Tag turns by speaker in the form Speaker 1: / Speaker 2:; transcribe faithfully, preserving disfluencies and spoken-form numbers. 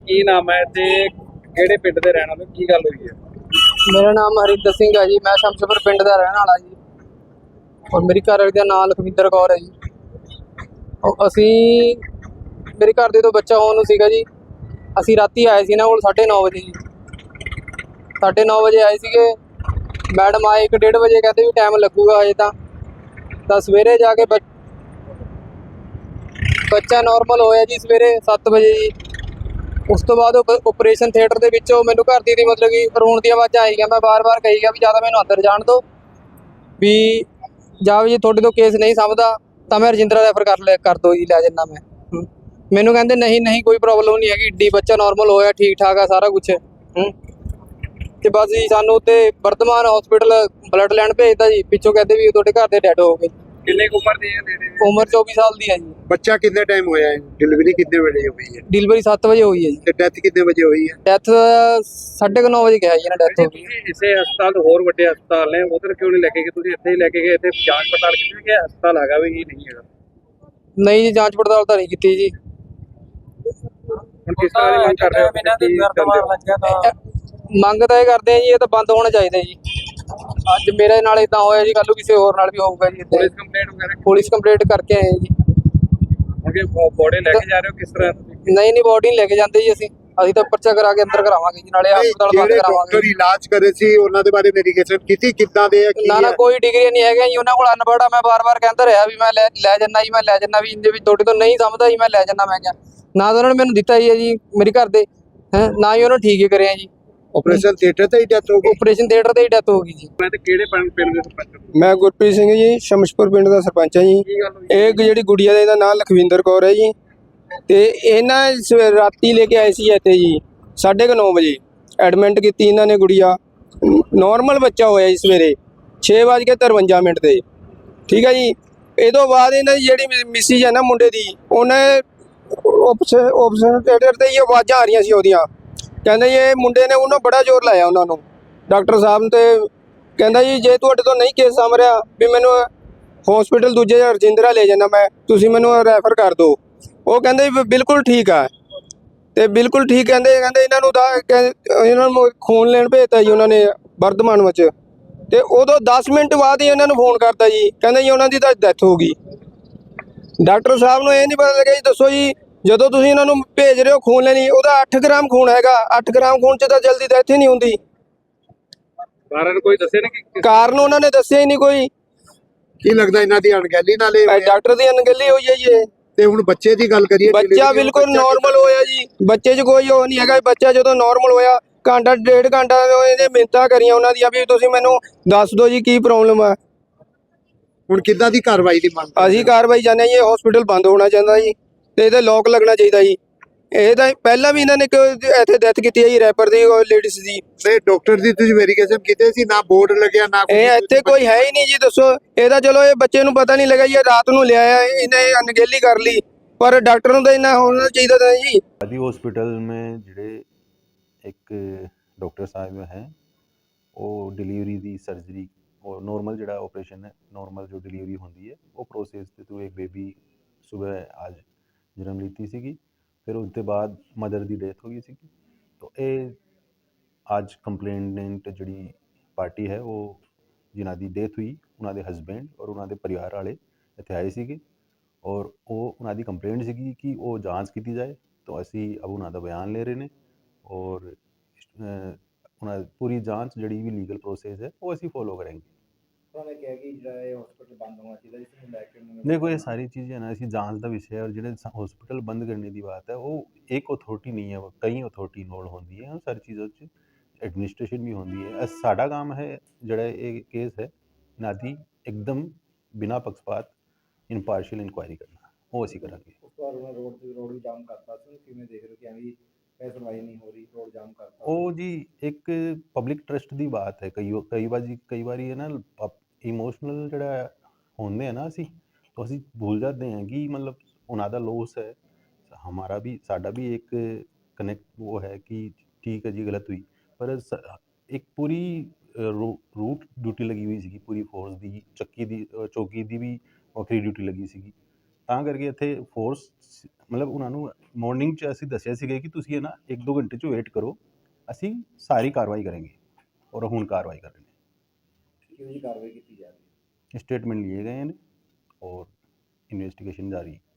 Speaker 1: ਕੀ ਨਾਮ ਹੈ ਤੇ ਕਿਹੜੇ ਪਿੰਡ ਦੇ ਰਹਿਣ ਵਾਲੇ ਕੀ ਗੱਲ ਹੋਈ ਹੈ?
Speaker 2: मेरा नाम हरिंदर सिंह है जी। मैं शमशेपुर पिंड का रहने वाला जी और मेरी घर वाली का नाम लखविंदर कौर है जी। और असी मेरे घर ਦੇ ਤੋਂ ਬੱਚਾ ਹੋਣ ਨੂੰ ਸੀਗਾ ਜੀ। ਅਸੀਂ ਰਾਤੀ ਆਏ ਸੀ ਨਾ ਕੋਲ ਸਾਢੇ ਨੌ ਵਜੇ ਜੀ। ਸਾਢੇ ਨੌ ਵਜੇ ਆਏ ਸੀਗੇ, ਮੈਡਮ ਆਏ ਇੱਕ ਡੇਢ ਵਜੇ, ਕਹਿੰਦੇ ਵੀ ਟਾਈਮ ਲੱਗੂਗਾ ਹਜੇ ਤਾਂ ਤਾਂ ਸਵੇਰੇ ਜਾ ਕੇ ਬੱਚਾ ਨਾਰਮਲ ਹੋਇਆ ਜੀ ਸਵੇਰੇ ਸੱਤ ਵਜੇ ਜੀ। ਉਸ ਤੋਂ ਬਾਅਦ ਆਪਰੇਸ਼ਨ ਥੀਏਟਰ ਦੇ ਵਿੱਚੋਂ ਮੈਨੂੰ ਘਰ ਦੀ ਦੀ ਮਤਲਬ ਕਿ ਰੋਣ ਦੀਆਂ ਆਵਾਜ਼ਾਂ ਆਈਆਂ। ਮੈਂ ਬਾਰ-ਬਾਰ ਕਹੀ ਗਿਆ ਵੀ ਜਾਂ ਤਾਂ ਮੈਨੂੰ ਅੰਦਰ ਜਾਣ ਦਿਓ ਵੀ ਜਾਂ ਵੀ ਜੇ ਤੁਹਾਡੇ ਤੋਂ ਕੇਸ ਨਹੀਂ ਸਮਝਦਾ ਤਾਂ ਮੈਂ ਰਜਿੰਦਰਾ ਰੈਫਰ ਕਰ ਲੈ ਕਰ ਦਿਓ ਜੀ, ਲੈ ਜੰਨਾ ਮੈਂ। ਹੂੰ। ਮੈਨੂੰ ਕਹਿੰਦੇ ਨਹੀਂ ਨਹੀਂ ਕੋਈ ਪ੍ਰੋਬਲਮ ਨਹੀਂ ਹੈਗੀ, ਏਡੀ ਬੱਚਾ ਨਾਰਮਲ ਹੋਇਆ, ਠੀਕ ਠਾਕ ਆ ਸਾਰਾ ਕੁਛ। ਹੂੰ। ਤੇ ਬਸ ਜੀ ਸਾਨੂੰ ਉੱਤੇ ਵਰਤਮਾਨ ਹਸਪੀਟਲ ਬਲੱਡ ਲੈਣ ਭੇਜਦਾ ਜੀ। ਪਿੱਛੋਂ ਕਹਿੰਦੇ ਵੀ ਤੁਹਾਡੇ ਘਰ ਦੇ ਡੈਡ ਹੋ ਗਏ।
Speaker 1: ਕਿੰਨੇ ਕੁ ਉਮਰ ਦੀ ਹੈ ਬੇਟੇ ਦੀ?
Speaker 2: ਉਮਰ ਚੌਵੀ ਸਾਲ ਦੀ ਹੈ ਜੀ।
Speaker 3: ਬੱਚਾ ਕਿੰਨੇ ਟਾਈਮ ਹੋਇਆ ਹੈ? डिलीवरी कितने बजे हुई है?
Speaker 2: ਡਿਲੀਵਰੀ ਸੱਤ ਵਜੇ ਹੋਈ ਹੈ ਜੀ।
Speaker 3: ਤੇ ਡੈਥ ਕਿੰਨੇ ਵਜੇ ਹੋਈ ਹੈ?
Speaker 2: ਡੈਥ ਸਾਢੇ ਕੁ ਨੌ ਵਜੇ ਕਿਹਾ ਜੀ ਇਹਨਾਂ ਡੈਥ ਹੋ ਗਈ।
Speaker 1: ਤੁਸੀਂ ਇਸੇ ਹਸਪਤਾਲ ਤੋਂ ਹੋਰ ਵੱਡੇ ਹਸਪਤਾਲ ਨੇ ਉਧਰ ਕਿਉਂ ਨਹੀਂ ਲੈ ਕੇ ਗਏ? ਤੁਸੀਂ ਇੱਥੇ ਹੀ ਲੈ ਕੇ ਗਏ, ਇੱਥੇ ਜਾਂਚ ਪੜਤਾਲ ਕੀਤੀ ਕਿ ਹਸਪਤਾਲ ਹੈਗਾ ਵੀ ਕੀ ਨਹੀਂ ਹੈਗਾ?
Speaker 2: ਨਹੀਂ ਜੀ, ਜਾਂਚ ਪੜਤਾਲ ਤਾਂ ਨਹੀਂ ਕੀਤੀ ਜੀ।
Speaker 1: ਹੁਣ ਕਿਸ ਤਰ੍ਹਾਂ ਦੀ ਮੰਗ ਕਰ ਰਹੇ ਹੋ? ਕੀ ਕਰਦੇ ਹੋ?
Speaker 2: ਮੰਗ ਤਾਂ ਇਹ ਕਰਦੇ ਆ ਜੀ, ਇਹ ਤਾਂ ਬੰਦ ਹੋਣਾ ਚਾਹੀਦਾ ਜੀ। ਅੱਜ ਮੇਰੇ ਨਾਲ ਇਦਾਂ ਹੋਇਆ ਜੀ, ਕੱਲ ਨੂੰ ਕਿਸੇ ਹੋਰ ਨਾਲ ਵੀ ਹੋਊਗਾ ਜੀ। ਇੱਦਾਂ
Speaker 1: ਪੁਲਿਸ ਕੰਪਲੇਂਟ ਵਗੈਰਾ
Speaker 2: ਪੁਲਿਸ ਕੰਪਲੇਂਟ ਕਰਕੇ ਆਏ ਜੀ।
Speaker 1: ਕਿ ਬੋੜੇ ਲੈ ਕੇ ਜਾ ਰਹੇ ਹੋ ਕਿਸ ਤਰ੍ਹਾਂ ਤੁਸੀਂ?
Speaker 2: ਨਹੀਂ ਨਹੀਂ, ਬੋਡੀ ਨਹੀਂ ਲੈ ਕੇ ਜਾਂਦੇ ਜੀ ਅਸੀਂ ਅਸੀਂ ਤਾਂ ਪਰਚਾ ਕਰਾ ਕੇ ਅੰਦਰ ਕਰਾਵਾਂਗੇ ਜੀ, ਨਾਲੇ ਹਸਪਤਾਲ ਬੰਦ
Speaker 3: ਜਿਹੜੇ
Speaker 2: ਕਰਾਵਾਂਗੇ।
Speaker 3: ਡਾਕਟਰ ਇਲਾਜ ਕਰੇ ਸੀ ਉਹਨਾਂ ਦੇ ਬਾਰੇ ਵੈਰੀਫਿਕੇਸ਼ਨ ਕੀਤੀ ਕਿੱਦਾਂ ਦੇ ਆ? ਕੀ
Speaker 2: ਨਾ ਨਾ
Speaker 3: ਹੈ?
Speaker 2: ਕੋਈ ਡਿਗਰੀ ਨਹੀਂ ਹੈਗਾ ਜੀ ਉਹਨਾਂ ਕੋਲ, ਅਨਪੜ੍ਹ ਆ। ਮੈਂ ਵਾਰ-ਵਾਰ ਕਹਿੰਦਾ ਰਿਹਾ ਵੀ ਮੈਂ ਲੈ ਲੈ ਜੰਨਾ ਜੀ, ਮੈਂ ਲੈ ਜੰਨਾ ਵੀ ਜੇ ਵੀ ਤੁਹਾਡੇ ਤੋਂ ਨਹੀਂ ਸਮਝਦਾ ਜੀ ਮੈਂ ਲੈ ਜੰਨਾ। ਮੈਂ ਕਿਹਾ ਨਾ ਤਾਂ ਉਹਨਾਂ ਨੇ ਮੈਨੂੰ ਦਿੱਤਾ ਹੀ ਹੈ ਜੀ ਮੇਰੇ ਘਰ ਦੇ, ਹੈ ਨਾ ਹੀ ਉਹਨਾਂ ਨੇ ਠੀਕ ਹੀ ਕਰਿਆ ਜੀ।
Speaker 3: ਆਪਰੇਸ਼ਨ ਥੀਏਟਰ ਤੇ ਹੀ ਡੈਥ ਹੋ ਗਈ?
Speaker 2: ਆਪਰੇਸ਼ਨ ਥੀਏਟਰ ਤੇ ਹੀ ਡੈਥ ਹੋ ਗਈ ਜੀ।
Speaker 1: ਮੈਂ ਤੇ ਕਿਹੜੇ ਪਿੰਡ ਪਿੰਡ ਦੇ ਸਰਪੰਚ ਹੋ?
Speaker 4: ਮੈਂ ਗੁਰਪ੍ਰੀਤ ਸਿੰਘ ਜੀ, ਸ਼ਮਸ਼ਪੁਰ ਪਿੰਡ ਦਾ ਸਰਪੰਚ ਹਾਂ ਜੀ।
Speaker 1: ਕੀ ਗੱਲ ਹੋਈ?
Speaker 4: ਇਹ ਜਿਹੜੀ ਗੁੜੀਆ ਦਾ ਇਹਦਾ ਨਾਮ ਲਖਵਿੰਦਰ ਕੌਰ ਹੈ ਜੀ। ਤੇ ਇਹਨਾਂ ਸਵੇ- ਰਾਤੀ ਲੈ ਕੇ ਆਏ ਸੀ ਇੱਥੇ ਜੀ ਸਾਢੇ ਕੁ ਨੌ ਵਜੇ ਐਡਮਿਟ ਕੀਤੀ ਇਹਨਾਂ ਨੇ। ਗੁੜੀਆ ਨਾਰਮਲ ਬੱਚਾ ਹੋਇਆ ਜੀ ਸਵੇਰੇ ਛੇ ਵੱਜ ਕੇ ਤਰਵੰਜਾ ਮਿੰਟ ਤੇ, ਠੀਕ ਹੈ ਜੀ। ਇਹ ਤੋਂ ਬਾਅਦ ਇਹਨਾਂ ਦੀ ਜਿਹੜੀ ਮਿਸਿਜ ਹੈ ਨਾ ਮੁੰਡੇ ਦੀ, ਉਹਨੇ ਆਪਸ਼ਨ ਥੀਏਟਰ ਤੇ ਹੀ ਆਵਾਜ਼ਾਂ ਆ ਰਹੀਆਂ ਸੀ ਉਹਦੀਆਂ। ਕਹਿੰਦਾ ਜੀ ਇਹ ਮੁੰਡੇ ਨੇ ਉਹਨੂੰ ਬੜਾ ਜ਼ੋਰ ਲਾਇਆ ਉਹਨਾਂ ਨੂੰ, ਡਾਕਟਰ ਸਾਹਿਬ ਤੇ ਕਹਿੰਦਾ ਜੀ ਜੇ ਤੁਹਾਡੇ ਤੋਂ ਨਹੀਂ ਕੇਸ ਸਮ ਰਿਹਾ ਵੀ ਮੈਨੂੰ ਹਸਪੀਟਲ ਦੂਜੇ ਰਜਿੰਦਰਾ ਲੈ ਜਾਣਾ, ਮੈਂ ਤੁਸੀਂ ਮੈਨੂੰ ਰੈਫਰ ਕਰ ਦਿਓ। ਉਹ ਕਹਿੰਦੇ ਵੀ ਬਿਲਕੁਲ ਠੀਕ ਆ, ਤੇ ਬਿਲਕੁਲ ਠੀਕ ਕਹਿੰਦੇ ਕਹਿੰਦੇ ਇਹਨਾਂ ਨੂੰ ਦਾ ਇਹਨਾਂ ਨੂੰ ਖੂਨ ਲੈਣ ਭੇਜਤਾ ਜੀ ਉਹਨਾਂ ਨੇ ਵਰਧਮਾਨ ਵਿੱਚ। ਤੇ ਉਦੋਂ ਦਸ ਮਿੰਟ ਬਾਅਦ ਹੀ ਇਹਨਾਂ ਨੂੰ ਫੋਨ ਕਰਤਾ ਜੀ, ਕਹਿੰਦੇ ਜੀ ਉਹਨਾਂ ਦੀ ਤਾਂ ਡੈਥ ਹੋ ਗਈ। ਡਾਕਟਰ ਸਾਹਿਬ ਨੂੰ ਇਹ ਨਹੀਂ ਪਤਾ ਲੱਗਿਆ ਜੀ, ਦੱਸੋ ਜੀ ਜਦੋਂ ਤੁਸੀਂ ਇਹਨਾਂ ਨੂੰ ਭੇਜ ਰਹੇ ਹੋ ਖੂਨ ਲੈਣੀ, ਉਹਦਾ ਅੱਠ ਗ੍ਰਾਮ ਖੂਨ ਹੈਗਾ, ਅੱਠ ਗ੍ਰਾਮ ਖੂਨ 'ਚ ਤਾਂ ਜਲਦੀ ਡੈਥ ਹੀ ਨਹੀਂ ਹੁੰਦੀ।
Speaker 1: ਕਾਰਨ ਕੋਈ ਦੱਸੇ ਨਹੀਂ ਕਿ
Speaker 4: ਕਾਰਨ ਉਹਨਾਂ ਨੇ ਦੱਸਿਆ ਹੀ ਨਹੀਂ ਕੋਈ।
Speaker 3: ਕੀ ਲੱਗਦਾ ਇਹਨਾਂ ਦੀ ਅਣਗਹਿਲੀ ਨਾਲ ਇਹ
Speaker 4: ਇਹ
Speaker 3: ਹੋਇਆ?
Speaker 4: ਡਾਕਟਰ ਦੀ ਅਣਗਹਿਲੀ ਹੋਈ ਹੈ ਜੀ ਇਹ।
Speaker 3: ਤੇ ਹੁਣ ਬੱਚੇ ਦੀ ਗੱਲ ਕਰੀਏ,
Speaker 4: ਬੱਚਾ
Speaker 3: delivery
Speaker 4: ਬਿਲਕੁਲ
Speaker 3: ਬੱਚਾ
Speaker 4: ਨਾਰਮਲ ਹੋਇਆ ਜੀ, ਬੱਚੇ 'ਚ ਕੋਈ ਉਹ ਨਹੀਂ ਹੈਗਾ। ਬੱਚਾ ਜਦੋਂ ਨਾਰਮਲ ਹੋਇਆ ਘੰਟਾ ਡੇਢ ਘੰਟਾ ਇਹਨੇ ਮਿੰਨਤਾਂ ਕਰੀਆਂ ਉਹਨਾਂ ਦੀਆਂ ਵੀ ਤੁਸੀਂ ਮੈਨੂੰ ਦੱਸ ਦਿਓ ਜੀ ਕੀ ਪ੍ਰੋਬਲਮ ਆ।
Speaker 3: ਹੁਣ ਕਿੱਦਾਂ ਦੀ ਕਾਰਵਾਈ ਦੀ ਮੰਗ ਕਰ ਰਹੇ
Speaker 4: ਅਸੀਂ ਕਾਰਵਾਈ ਚਾਹੁੰਦੇ ਹਾਂ ਜੀ, ਇਹ ਹਸਪੀਟਲ ਬੰਦ ਹੋਣਾ ਚਾਹੀਦਾ ਜੀ, ਤੇ ਇਹਦੇ ਲੋਕ ਲੱਗਣਾ ਚਾਹੀਦਾ ਜੀ। ਇਹ ਤਾਂ ਪਹਿਲਾਂ ਵੀ ਇਹਨਾਂ ਨੇ ਇੱਥੇ ਡੈਥ ਕੀਤੀ ਹੈ ਜੀ, ਰੈਪਰ ਦੀ ਲੇਡੀਜ਼ ਦੀ।
Speaker 3: ਤੇ ਡਾਕਟਰ ਦੀ ਤੁਸੀਂ ਵੈਰੀਫਿਕੇਸ਼ਨ ਕੀਤੇ ਸੀ? ਨਾ ਬੋਰਡ ਲੱਗਿਆ ਨਾ
Speaker 4: ਇਹ ਇੱਥੇ ਕੋਈ ਹੈ ਹੀ ਨਹੀਂ ਜੀ, ਦੱਸੋ। ਇਹਦਾ ਚਲੋ ਇਹ ਬੱਚੇ ਨੂੰ ਪਤਾ ਨਹੀਂ ਲੱਗਾ ਜੀ, ਇਹ ਰਾਤ ਨੂੰ ਲਿਆਇਆ, ਇਹਨੇ ਅਣਗਹਿਲੀ ਕਰ ਲਈ, ਪਰ ਡਾਕਟਰ ਨੂੰ ਤਾਂ ਇਹਨਾਂ ਹੋਣਾ ਚਾਹੀਦਾ ਤਾਂ ਜੀ।
Speaker 5: आदि हॉस्पिटल में ਜਿਹੜੇ ਇੱਕ ਡਾਕਟਰ ਸਾਹਿਬ ਹੈ ਉਹ ਡਿਲੀਵਰੀ ਦੀ ਸਰਜਰੀ ਉਹ ਨੋਰਮਲ ਜਿਹੜਾ ਆਪਰੇਸ਼ਨ ਹੈ, ਨੋਰਮਲ ਜੋ ਡਿਲੀਵਰੀ ਹੁੰਦੀ ਹੈ ਉਹ ਪ੍ਰੋਸੈਸ ਦੇ ਥਰੂ ਇੱਕ ਬੇਬੀ ਸਵੇਰ ਅੱਜ ਜਨਮ ਲੀਤੀ ਸੀਗੀ। ਫਿਰ ਉਸ ਤੋਂ ਬਾਅਦ ਮਦਰ ਦੀ ਡੈਥ ਹੋ ਗਈ ਸੀਗੀ। ਤਾਂ ਇਹ ਅੱਜ ਕੰਪਲੇਨੈਂਟ ਜਿਹੜੀ ਪਾਰਟੀ ਹੈ ਉਹ ਜਿਨ੍ਹਾਂ ਦੀ ਡੈਥ ਹੋਈ ਉਹਨਾਂ ਦੇ ਹਸਬੈਂਡ ਔਰ ਉਹਨਾਂ ਦੇ ਪਰਿਵਾਰ ਵਾਲੇ ਇੱਥੇ ਆਏ ਸੀਗੇ ਔਰ ਉਹ ਉਹਨਾਂ ਦੀ ਕੰਪਲੇਂਟ ਸੀਗੀ ਕਿ ਉਹ ਜਾਂਚ ਕੀਤੀ ਜਾਏ। ਤਾਂ ਅਸੀਂ ਅਬ ਉਹਨਾਂ ਦਾ ਬਿਆਨ ਲੈ ਰਹੇ ਨੇ ਔਰ ਉਹਨਾਂ ਦੀ ਪੂਰੀ ਜਾਂਚ ਜਿਹੜੀ ਵੀ ਲੀਗਲ ਪ੍ਰੋਸੈਸ ਹੈ ਉਹ ਅਸੀਂ ਫੋਲੋ ਕਰਾਂਗੇ।
Speaker 6: ਉਹਨਾਂ ਨੇ ਕਿਹਾ ਕਿ ਜਿਹੜਾ ਇਹ ਹਸਪੀਟਲ ਬੰਦ ਹੋਣਾ ਚਾਹੀਦਾ, ਇਸ ਨੂੰ ਲੈ ਕੇ ਉਹਨਾਂ ਨੇ
Speaker 5: ਦੇਖੋ ਇਹ ਸਾਰੀ ਚੀਜ਼ਾਂ ਨਾ ਅਸੀਂ ਜਾਂਚ ਦਾ ਵਿਸ਼ਾ ਹੈ ਔਰ ਜਿਹੜੇ ਹਸਪੀਟਲ ਬੰਦ ਕਰਨੇ ਦੀ ਬਾਤ ਹੈ ਉਹ ਇੱਕ ਅਥਾਰਟੀ ਨਹੀਂ ਹੈ, ਕਈ ਅਥਾਰਟੀ ਇਨਵੋਲਵ ਹੁੰਦੀ ਹੈ। ਸਾਰੀ ਚੀਜ਼ਾਂ 'ਚ ਐਡਮਿਨਿਸਟ੍ਰੇਸ਼ਨ ਵੀ ਹੁੰਦੀ ਹੈ। ਸਾਡਾ ਕੰਮ ਹੈ ਜਿਹੜਾ ਇਹ ਕੇਸ ਹੈ ਇਹਨਾਂ ਦੀ ਇੱਕਦਮ ਬਿਨਾਂ ਪੱਖਪਾਤ ਇਨਪਾਰਸ਼ੀਅਲ ਇਨਕੁਆਇਰੀ ਕਰਨਾ, ਉਹ ਅਸੀਂ ਕਰਾਂਗੇ।
Speaker 6: ਉਸ ਤੋਂ ਬਾਅਦ ਉਹਨਾਂ ਰੋਡ ਤੇ ਰੋਡ ਵੀ ਜਾਮ ਕਰਤਾ ਸੀ, ਕਿਵੇਂ ਦੇਖ ਰਹੇ ਹੋ ਕਿ ਐਵੇਂ ਇਹ ਸੁਣਵਾਈ ਨਹੀਂ ਹੋ ਰਹੀ, ਰੋਡ ਜਾਮ ਕਰਤਾ?
Speaker 5: ਉਹ ਜੀ ਇੱਕ ਪਬਲਿਕ ਟਰਸਟ ਦੀ ਬਾਤ ਹੈ। ਕਈ ਕਈ ਵਾਰ ਜੀ ਕਈ ਵਾਰੀ ਹੈ ਨਾ ਇਮੋਸ਼ਨਲ ਜਿਹੜਾ ਹੁੰਦੇ ਆ ਨਾ ਅਸੀਂ, ਤਾਂ ਅਸੀਂ ਭੁੱਲ ਜਾਂਦੇ ਹਾਂ ਕਿ ਮਤਲਬ ਉਹਨਾਂ ਦਾ ਲੋਸ ਹੈ, ਹਮਾਰਾ ਵੀ ਸਾਡਾ ਵੀ ਇੱਕ ਕਨੈਕਟ ਉਹ ਹੈ ਕਿ ਠੀਕ ਹੈ ਜੀ ਗਲਤ ਹੋਈ, ਪਰ ਇੱਕ ਪੂਰੀ ਰੂਟ ਡਿਊਟੀ ਲੱਗੀ ਹੋਈ ਸੀਗੀ ਪੂਰੀ ਫੋਰਸ ਦੀ, ਚੱਕੀ ਦੀ ਚੌਕੀ ਦੀ ਵੀ ਵੱਖਰੀ ਡਿਊਟੀ ਲੱਗੀ ਸੀਗੀ ਤਾਂ ਕਰਕੇ ਇੱਥੇ ਫੋਰਸ ਮਤਲਬ ਉਹਨਾਂ ਨੂੰ ਮਾਰਨਿੰਗ 'ਚ ਅਸੀਂ ਦੱਸਿਆ ਸੀਗਾ ਕਿ ਤੁਸੀਂ ਇਹ ਨਾ ਇੱਕ ਦੋ ਘੰਟੇ 'ਚ ਵੇਟ ਕਰੋ, ਅਸੀਂ ਸਾਰੀ ਕਾਰਵਾਈ ਕਰਾਂਗੇ, ਔਰ ਹੁਣ ਕਾਰਵਾਈ ਕਰ ਰਹੇ ਨੇ।
Speaker 6: ਕਿਹੋ ਜਿਹੀ ਕਾਰਵਾਈ ਕੀਤੀ ਜਾ ਰਹੀ ਹੈ?
Speaker 5: स्टेटमेंट लिए गए हैं और इन्वेस्टिगेशन जारी है।